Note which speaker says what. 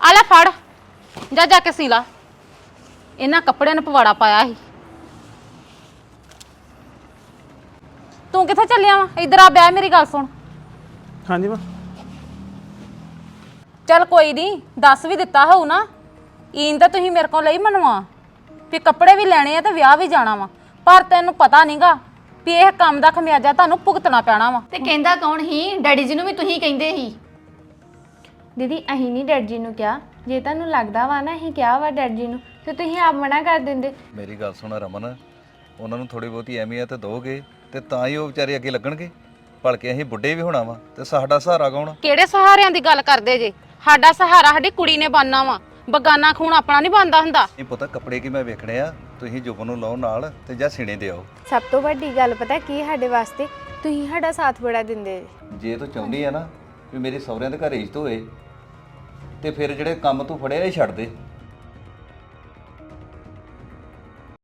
Speaker 1: ਆ ਲੈ ਫੜ ਜਾ ਕੇ ਸੀ ਲਾ। ਇਹਨਾਂ ਕੱਪੜਿਆਂ ਨੂੰ ਪਵਾੜਾ ਪਾਇਆ ਸੀ। ਤੂੰ ਕਿੱਥੇ ਚੱਲਿਆ ਵਾ? ਇੱਧਰ ਆ ਬਹਿ, ਮੇਰੀ ਗੱਲ ਸੁਣ।
Speaker 2: ਹਾਂਜੀ ਮਾਂ।
Speaker 1: ਚੱਲ ਕੋਈ ਨਹੀਂ, ਦੱਸ ਵੀ ਦਿੱਤਾ ਹੋਊ ਨਾ। ਈਨ ਤਾਂ ਤੁਸੀਂ ਮੇਰੇ ਕੋਲ ਲਈ ਮਨਵਾ ਵੀ ਕੱਪੜੇ ਵੀ ਲੈਣੇ ਆ ਤੇ ਵਿਆਹ ਵੀ ਜਾਣਾ ਵਾ, ਪਰ ਤੈਨੂੰ ਪਤਾ ਨਹੀਂਗਾ ਵੀ ਇਹ ਕੰਮ ਦਾ ਖਮਿਆਜਾ ਤੁਹਾਨੂੰ ਭੁਗਤਣਾ ਪੈਣਾ ਵਾ।
Speaker 3: ਤੇ ਕਹਿੰਦਾ ਕੌਣ ਹੀ? ਡੈਡੀ ਜੀ ਨੂੰ ਵੀ ਤੁਸੀਂ ਕਹਿੰਦੇ ਸੀ।
Speaker 4: ਦੀਦੀ ਅਸੀਂ ਨਹੀਂ ਡੈਡ ਜੀ ਨੂੰ ਕਿਹਾ, ਜੇ ਤੁਹਾਨੂੰ ਲੱਗਦਾ ਵਾ ਨਾ ਅਸੀਂ ਕਿਹਾ ਵਾ ਡੈਡ ਜੀ ਨੂੰ ਤੇ ਤੁਸੀਂ ਆਪ ਮਨਾ ਕਰ ਦਿੰਦੇ।
Speaker 5: ਮੇਰੀ ਗੱਲ ਸੁਣ ਰਮਨ, ਉਹਨਾਂ ਨੂੰ ਥੋੜੀ ਬਹੁਤੀ ਅਹਿਮੀਅਤ ਦੋਗੇ ਤੇ ਤਾਂ ਹੀ ਉਹ ਵਿਚਾਰੇ ਅੱਗੇ ਲੱਗਣਗੇ। ਭਲਕੇ ਅਸੀਂ ਬੁੱਢੇ ਵੀ ਹੋਣਾ ਵਾ ਤੇ ਸਾਡਾ ਸਹਾਰਾ ਕੌਣ?
Speaker 1: ਕਿਹੜੇ ਸਹਾਰਿਆਂ ਦੀ ਗੱਲ ਕਰਦੇ ਜੇ? ਸਾਡਾ ਸਹਾਰਾ ਸਾਡੀ ਕੁੜੀ ਨੇ ਬਣਨਾ ਵਾ, ਬਗਾਨਾ ਖੂਨ ਆਪਣਾ ਨਹੀਂ ਬਣਦਾ ਹੁੰਦਾ।
Speaker 5: ਇਹ ਪਤਾ ਕੱਪੜੇ ਕੀ ਮੈਂ ਵੇਖਣੇ ਆ, ਤੁਸੀਂ ਜੁਬਨ ਨੂੰ ਲਾਓ ਨਾਲ ਤੇ ਜਾਂ ਸੀਨੇ ਦੇ ਆਓ।
Speaker 4: ਸਭ ਤੋਂ ਵੱਡੀ ਗੱਲ ਪਤਾ ਕੀ ਸਾਡੇ ਵਾਸਤੇ, ਤੁਸੀਂ ਸਾਡਾ ਸਾਥ ਬੜਾ ਦਿੰਦੇ
Speaker 5: ਜੇ ਤੂੰ ਚਾਹੁੰਦੀ ਆ ਨਾ ਵੀ ਮੇਰੇ ਸਹੁਰਿਆਂ ਦੇ ਘਰ ਇੱਜ਼ਤ ਹੋਏ ਤੇ ਫਿਰ ਜਿਹੜੇ ਕੰਮ ਤੂੰ ਫੜਿਆ ਇਹ ਛੱਡ ਦੇ।